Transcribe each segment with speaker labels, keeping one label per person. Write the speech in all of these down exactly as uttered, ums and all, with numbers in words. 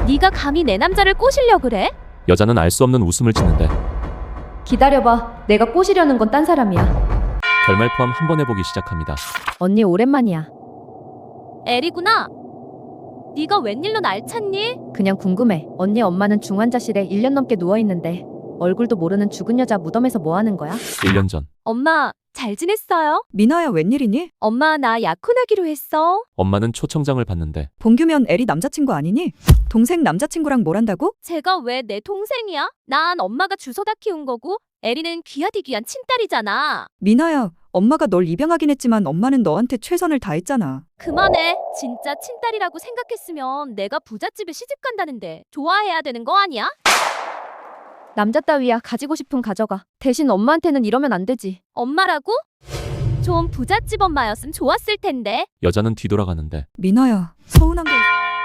Speaker 1: 네가 감히 내 남자를 꼬시려 그래?
Speaker 2: 여자는 알 수 없는 웃음을 짓는데
Speaker 3: 기다려봐. 내가 꼬시려는 건 딴 사람이야.
Speaker 2: 결말 포함 한 번 해보기 시작합니다.
Speaker 3: 언니 오랜만이야.
Speaker 1: 에리구나. 네가 웬일로 날 찾니?
Speaker 3: 그냥 궁금해. 언니 엄마는 중환자실에 일 년 넘게 누워있는데 얼굴도 모르는 죽은 여자 무덤에서 뭐 하는 거야?
Speaker 2: 일 년 전
Speaker 1: 엄마 잘 지냈어요?
Speaker 4: 미나야 웬일이니?
Speaker 1: 엄마 나 약혼하기로 했어.
Speaker 2: 엄마는 초청장을 받는데
Speaker 4: 봉규면 에리 남자친구 아니니? 동생 남자친구랑 뭘 한다고?
Speaker 1: 제가 왜 내 동생이야? 난 엄마가 주워다 키운 거고 에리는 귀하디 귀한 친딸이잖아.
Speaker 4: 미나야 엄마가 널 입양하긴 했지만 엄마는 너한테 최선을 다했잖아.
Speaker 1: 그만해. 진짜 친딸이라고 생각했으면 내가 부잣집에 시집 간다는데 좋아해야 되는 거 아니야?
Speaker 3: 남자 따위야. 가지고 싶은 가져가. 대신 엄마한테는 이러면 안 되지.
Speaker 1: 엄마라고? 좀 부잣집 엄마였으면 좋았을 텐데.
Speaker 2: 여자는 뒤돌아가는데
Speaker 4: 미나야 서운한 거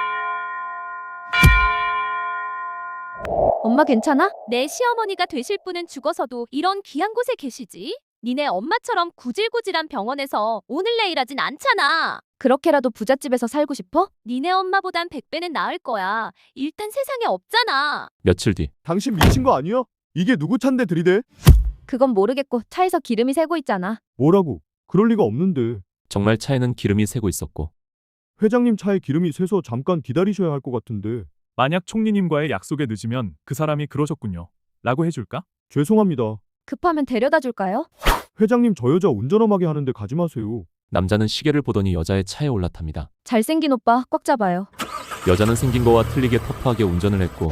Speaker 3: 엄마 괜찮아?
Speaker 1: 내 시어머니가 되실 분은 죽어서도 이런 귀한 곳에 계시지? 니네 엄마처럼 구질구질한 병원에서 오늘 내일 하진 않잖아.
Speaker 3: 그렇게라도 부잣집에서 살고 싶어?
Speaker 1: 니네 엄마보단 백 배는 나을 거야. 일단 세상에 없잖아.
Speaker 2: 며칠 뒤
Speaker 5: 당신 미친 거 아니야? 이게 누구 찬데 들이대?
Speaker 3: 그건 모르겠고 차에서 기름이 새고 있잖아.
Speaker 5: 뭐라고? 그럴 리가 없는데.
Speaker 2: 정말 차에는 기름이 새고 있었고
Speaker 5: 회장님 차에 기름이 새서 잠깐 기다리셔야 할 것 같은데.
Speaker 6: 만약 총리님과의 약속에 늦으면 그 사람이 그러셨군요. 라고 해줄까?
Speaker 5: 죄송합니다.
Speaker 3: 급하면 데려다 줄까요?
Speaker 5: 회장님 저 여자 운전엄하게 하는데 가지 마세요.
Speaker 2: 남자는 시계를 보더니 여자의 차에 올라탑니다.
Speaker 3: 잘생긴 오빠 꽉 잡아요.
Speaker 2: 여자는 생긴 거와 틀리게 터프하게 운전을 했고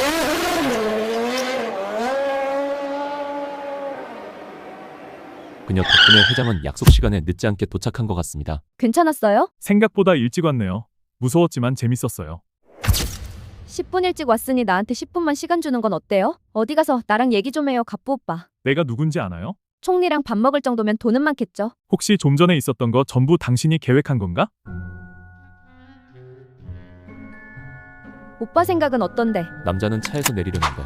Speaker 2: 그녀 덕분에 회장은 약속 시간에 늦지 않게 도착한 것 같습니다.
Speaker 3: 괜찮았어요?
Speaker 6: 생각보다 일찍 왔네요. 무서웠지만 재밌었어요.
Speaker 3: 십 분 일찍 왔으니 나한테 십 분만 시간 주는 건 어때요? 어디 가서 나랑 얘기 좀 해요, 갑부 오빠.
Speaker 6: 내가 누군지 아나요?
Speaker 3: 총리랑 밥 먹을 정도면 돈은 많겠죠?
Speaker 6: 혹시 좀 전에 있었던 거 전부 당신이 계획한 건가?
Speaker 3: 오빠 생각은 어떤데?
Speaker 2: 남자는 차에서 내리려는데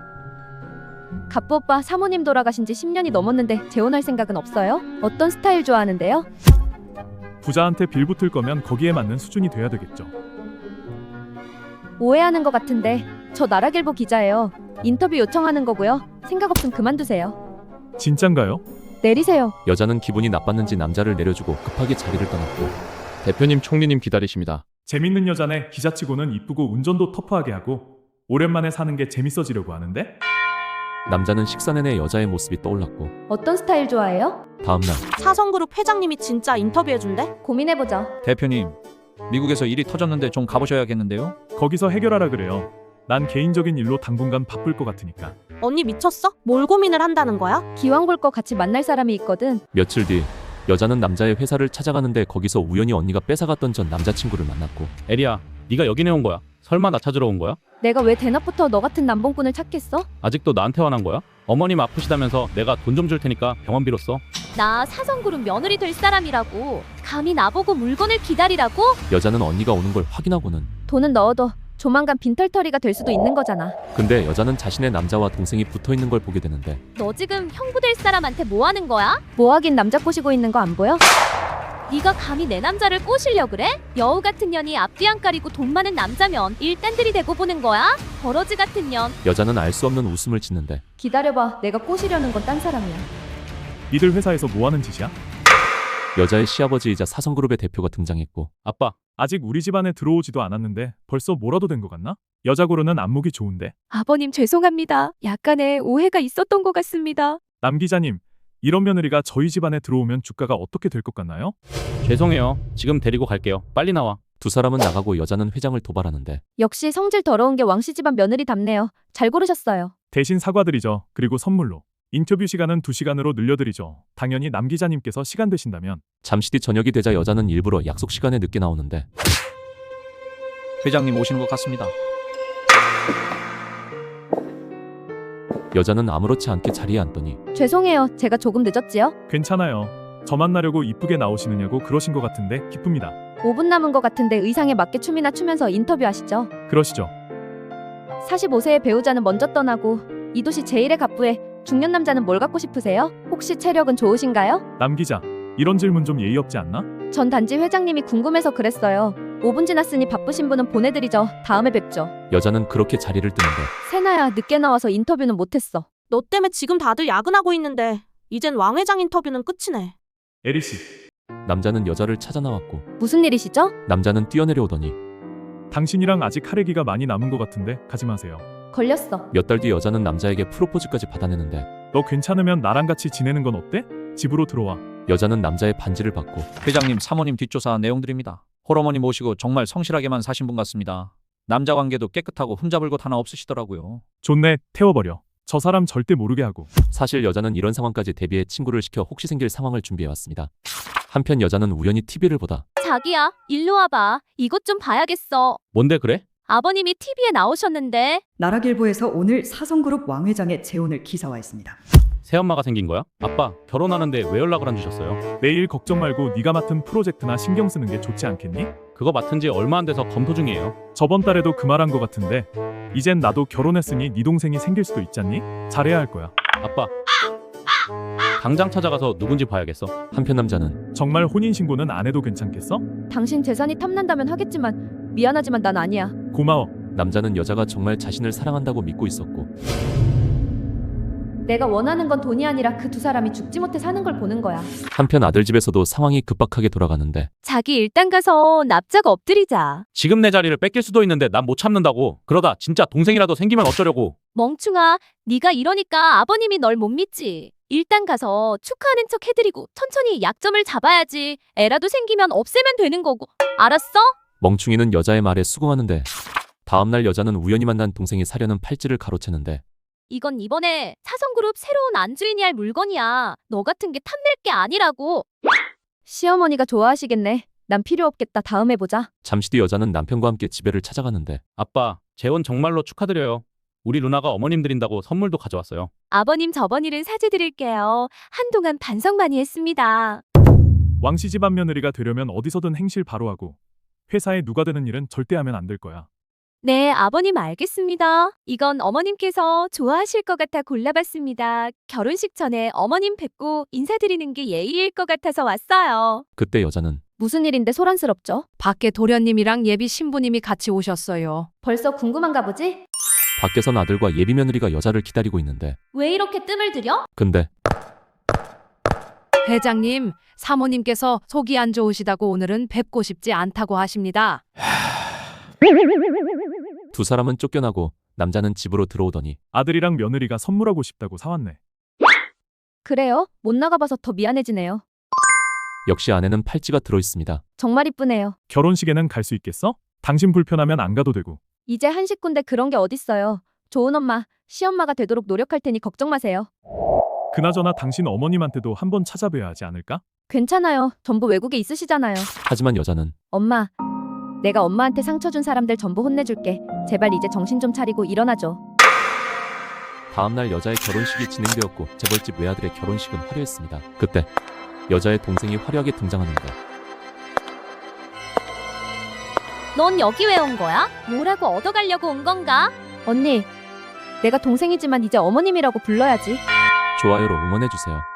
Speaker 3: 갑부 오빠 사모님 돌아가신 지 십 년이 넘었는데 재혼할 생각은 없어요? 어떤 스타일 좋아하는데요?
Speaker 6: 부자한테 빌붙을 거면 거기에 맞는 수준이 돼야 되겠죠.
Speaker 3: 오해하는 것 같은데 저 나라길보 기자예요. 인터뷰 요청하는 거고요. 생각 없음 그만두세요.
Speaker 6: 진짠가요?
Speaker 3: 내리세요.
Speaker 2: 여자는 기분이 나빴는지 남자를 내려주고 급하게 자리를 떠났고
Speaker 7: 대표님, 총리님 기다리십니다.
Speaker 6: 재밌는 여자네. 기자치고는 이쁘고 운전도 터프하게 하고 오랜만에 사는 게 재밌어지려고 하는데?
Speaker 2: 남자는 식사 내내 여자의 모습이 떠올랐고
Speaker 3: 어떤 스타일 좋아해요?
Speaker 2: 다음날
Speaker 8: 사성그룹 회장님이 진짜 인터뷰해준대?
Speaker 3: 고민해보자.
Speaker 7: 대표님, 미국에서 일이 터졌는데 좀 가보셔야겠는데요?
Speaker 6: 거기서 해결하라 그래요. 난 개인적인 일로 당분간 바쁠 것 같으니까.
Speaker 8: 언니 미쳤어? 뭘 고민을 한다는 거야?
Speaker 3: 기왕 볼 거 같이 만날 사람이 있거든.
Speaker 2: 며칠 뒤 여자는 남자의 회사를 찾아가는데 거기서 우연히 언니가 뺏어갔던 전 남자친구를 만났고
Speaker 7: 에리야, 네가 여기네 온 거야? 설마 나 찾으러 온 거야?
Speaker 3: 내가 왜 대낮부터 너 같은 남봉꾼을 찾겠어?
Speaker 7: 아직도 나한테 화난 거야? 어머님 아프시다면서 내가 돈 좀 줄 테니까 병원비로 써.
Speaker 1: 나 사성그룹 며느리 될 사람이라고. 감히 나보고 물건을 기다리라고?
Speaker 2: 여자는 언니가 오는 걸 확인하고는
Speaker 3: 돈은 넣어둬. 조만간 빈털터리가 될 수도 있는 거잖아.
Speaker 2: 근데 여자는 자신의 남자와 동생이 붙어있는 걸 보게 되는데
Speaker 1: 너 지금 형부 될 사람한테 뭐 하는 거야?
Speaker 3: 뭐하긴 남자 꼬시고 있는 거 안 보여?
Speaker 1: 네가 감히 내 남자를 꼬시려 그래? 여우 같은 년이 앞뒤 안 가리고 돈 많은 남자면 일단들이 대고 보는 거야? 버러지 같은 년.
Speaker 2: 여자는 알 수 없는 웃음을 짓는데
Speaker 3: 기다려봐. 내가 꼬시려는 건 딴 사람이야.
Speaker 6: 니들 회사에서 뭐 하는 짓이야?
Speaker 2: 여자의 시아버지이자 사성그룹의 대표가 등장했고
Speaker 7: 아빠,
Speaker 6: 아직 우리 집안에 들어오지도 않았는데 벌써 뭐라도 된 것 같나? 여자 고르는 안목이 좋은데.
Speaker 1: 아버님 죄송합니다. 약간의 오해가 있었던 것 같습니다.
Speaker 6: 남 기자님, 이런 며느리가 저희 집안에 들어오면 주가가 어떻게 될 것 같나요?
Speaker 7: 죄송해요. 지금 데리고 갈게요. 빨리 나와.
Speaker 2: 두 사람은 나가고 여자는 회장을 도발하는데
Speaker 3: 역시 성질 더러운 게 왕씨 집안 며느리답네요. 잘 고르셨어요.
Speaker 6: 대신 사과드리죠. 그리고 선물로. 인터뷰 시간은 두 시간으로 늘려드리죠. 당연히 남 기자님께서 시간 되신다면.
Speaker 2: 잠시 뒤 저녁이 되자 여자는 일부러 약속 시간에 늦게 나오는데
Speaker 7: 회장님 오시는 것 같습니다.
Speaker 2: 여자는 아무렇지 않게 자리에 앉더니
Speaker 3: 죄송해요. 제가 조금 늦었지요?
Speaker 6: 괜찮아요. 저 만나려고 이쁘게 나오시느냐고 그러신 것 같은데 기쁩니다.
Speaker 3: 오 분 남은 것 같은데 의상에 맞게 춤이나 추면서 인터뷰하시죠.
Speaker 6: 그러시죠.
Speaker 3: 사십오 세의 배우자는 먼저 떠나고 이 도시 제일의 갑부에 중년 남자는 뭘 갖고 싶으세요? 혹시 체력은 좋으신가요?
Speaker 6: 남 기자, 이런 질문 좀 예의 없지 않나?
Speaker 3: 전 단지 회장님이 궁금해서 그랬어요. 오 분 지났으니 바쁘신 분은 보내드리죠. 다음에 뵙죠.
Speaker 2: 여자는 그렇게 자리를 뜨는데
Speaker 3: 세나야, 늦게 나와서 인터뷰는 못했어.
Speaker 8: 너 때문에 지금 다들 야근하고 있는데 이젠 왕 회장 인터뷰는 끝이네.
Speaker 6: 에리 씨,
Speaker 2: 남자는 여자를 찾아 나왔고
Speaker 3: 무슨 일이시죠?
Speaker 2: 남자는 뛰어내려오더니
Speaker 6: 당신이랑 아직 할 얘기가 많이 남은 것 같은데 가지 마세요.
Speaker 3: 걸렸어.
Speaker 2: 몇 달 뒤 여자는 남자에게 프로포즈까지 받아내는데
Speaker 6: 너 괜찮으면 나랑 같이 지내는 건 어때? 집으로 들어와.
Speaker 2: 여자는 남자의 반지를 받고
Speaker 9: 회장님, 사모님 뒷조사 내용들입니다. 홀어머니 모시고 정말 성실하게만 사신 분 같습니다. 남자 관계도 깨끗하고 흠잡을 것 하나 없으시더라고요.
Speaker 6: 좋네, 태워버려. 저 사람 절대 모르게 하고.
Speaker 2: 사실 여자는 이런 상황까지 대비해 친구를 시켜 혹시 생길 상황을 준비해왔습니다. 한편 여자는 우연히 티비를 보다
Speaker 1: 자기야, 일로 와봐. 이것 좀 봐야겠어.
Speaker 7: 뭔데 그래?
Speaker 1: 아버님이 티비에 나오셨는데.
Speaker 4: 나라길보에서 오늘 사성그룹 왕 회장의 재혼을 기사화했습니다.
Speaker 7: 새엄마가 생긴 거야? 아빠, 결혼하는데 왜 연락을 안 주셨어요?
Speaker 6: 내일 걱정 말고 네가 맡은 프로젝트나 신경 쓰는 게 좋지 않겠니?
Speaker 7: 그거 맡은 지 얼마 안 돼서 검토 중이에요.
Speaker 6: 저번 달에도 그 말 한 것 같은데 이젠 나도 결혼했으니 네 동생이 생길 수도 있잖니? 잘해야 할 거야.
Speaker 7: 아빠, 당장 찾아가서 누군지 봐야겠어.
Speaker 2: 한편 남자는
Speaker 6: 정말 혼인신고는 안 해도 괜찮겠어?
Speaker 3: 당신 재산이 탐난다면 하겠지만 미안하지만 난 아니야.
Speaker 6: 고마워.
Speaker 2: 남자는 여자가 정말 자신을 사랑한다고 믿고 있었고
Speaker 3: 내가 원하는 건 돈이 아니라 그 두 사람이 죽지 못해 사는 걸 보는 거야.
Speaker 2: 한편 아들 집에서도 상황이 급박하게 돌아가는데
Speaker 1: 자기 일단 가서 납작 엎드리자.
Speaker 7: 지금 내 자리를 뺏길 수도 있는데 난 못 참는다고. 그러다 진짜 동생이라도 생기면 어쩌려고.
Speaker 1: 멍충아, 네가 이러니까 아버님이 널 못 믿지. 일단 가서 축하하는 척 해드리고 천천히 약점을 잡아야지. 애라도 생기면 없애면 되는 거고. 알았어?
Speaker 2: 멍충이는 여자의 말에 수긍하는데 다음날 여자는 우연히 만난 동생이 사려는 팔찌를 가로채는데
Speaker 1: 이건 이번에 사성그룹 새로운 안주인이 할 물건이야. 너 같은 게 탐낼 게 아니라고.
Speaker 3: 시어머니가 좋아하시겠네. 난 필요 없겠다. 다음에 보자.
Speaker 2: 잠시 뒤 여자는 남편과 함께 집에를 찾아가는데
Speaker 7: 아빠, 재혼 정말로 축하드려요. 우리 누나가 어머님 드린다고 선물도 가져왔어요.
Speaker 1: 아버님 저번 일은 사죄드릴게요. 한동안 반성 많이 했습니다.
Speaker 6: 왕씨 집안 며느리가 되려면 어디서든 행실 바로 하고 회사에 누가 되는 일은 절대 하면 안 될 거야.
Speaker 1: 네, 아버님 알겠습니다. 이건 어머님께서 좋아하실 것 같아 골라봤습니다. 결혼식 전에 어머님 뵙고 인사드리는 게 예의일 것 같아서 왔어요.
Speaker 2: 그때 여자는
Speaker 3: 무슨 일인데 소란스럽죠?
Speaker 10: 밖에 도련님이랑 예비 신부님이 같이 오셨어요.
Speaker 3: 벌써 궁금한가 보지?
Speaker 2: 밖에선 아들과 예비 며느리가 여자를 기다리고 있는데
Speaker 1: 왜 이렇게 뜸을 들여?
Speaker 2: 근데
Speaker 10: 회장님, 사모님께서 속이 안 좋으시다고 오늘은 뵙고 싶지 않다고 하십니다.
Speaker 2: 두 사람은 쫓겨나고 남자는 집으로 들어오더니
Speaker 6: 아들이랑 며느리가 선물하고 싶다고 사왔네.
Speaker 3: 그래요? 못 나가봐서 더 미안해지네요.
Speaker 2: 역시 안에는 팔찌가 들어있습니다.
Speaker 3: 정말 이쁘네요.
Speaker 6: 결혼식에는 갈 수 있겠어? 당신 불편하면 안 가도 되고.
Speaker 3: 이제 한 식구인데 그런 게 어딨어요. 좋은 엄마, 시엄마가 되도록 노력할 테니 걱정 마세요.
Speaker 6: 그나저나 당신 어머님한테도 한번 찾아뵈야 하지 않을까?
Speaker 3: 괜찮아요. 전부 외국에 있으시잖아요.
Speaker 2: 하지만 여자는
Speaker 3: 엄마, 내가 엄마한테 상처 준 사람들 전부 혼내줄게. 제발 이제 정신 좀 차리고 일어나줘.
Speaker 2: 다음날 여자의 결혼식이 진행되었고 재벌집 외아들의 결혼식은 화려했습니다. 그때 여자의 동생이 화려하게 등장하는데
Speaker 1: 넌 여기 왜 온 거야? 뭐라고 얻어가려고 온 건가?
Speaker 3: 언니, 내가 동생이지만 이제 어머님이라고 불러야지.
Speaker 2: 좋아요로 응원해주세요.